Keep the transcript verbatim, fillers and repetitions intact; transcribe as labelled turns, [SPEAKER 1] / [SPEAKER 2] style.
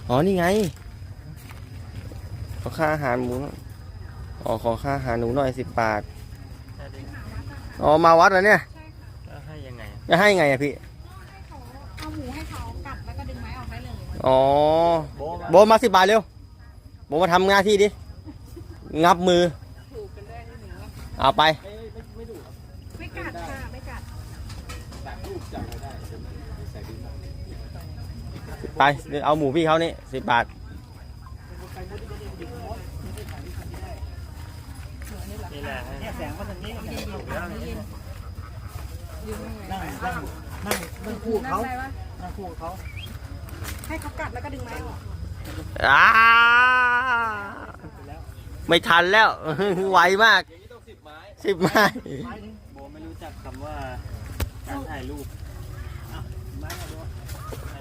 [SPEAKER 1] อ๋อนี่ไงขอค่าอาหารหมูอ๋อขอค่าอาหารหนูหน่อยสิบบาทอ๋อมาวัดแล้วเนี่ย
[SPEAKER 2] จะให้ยังไง
[SPEAKER 1] จะให้ไงอะพี่
[SPEAKER 3] เอาหมูให้เขากัดแล้วก็ดึงไม้ออกได้เลย
[SPEAKER 1] อ๋อโบมาสิบบาทเร็วโบมาทำงานที่ดิงับมือเอาไป
[SPEAKER 3] ไม่กัดค่ะไม่กัด
[SPEAKER 1] ไปเอาหมูพี่เขานี่สิบบาท
[SPEAKER 2] นี่แหละเนี่ยแสงมาทางนี้นั่งนั่งนั่งนั่งคู่เขานั่งคู่เขา
[SPEAKER 3] ให้เขากัดแล้วก็ดึงไม้ออก
[SPEAKER 1] อ้าไม่ทันแล้วไวมากสิบไม้
[SPEAKER 2] โบไม่รู้จักคำว่าการถ่ายรูป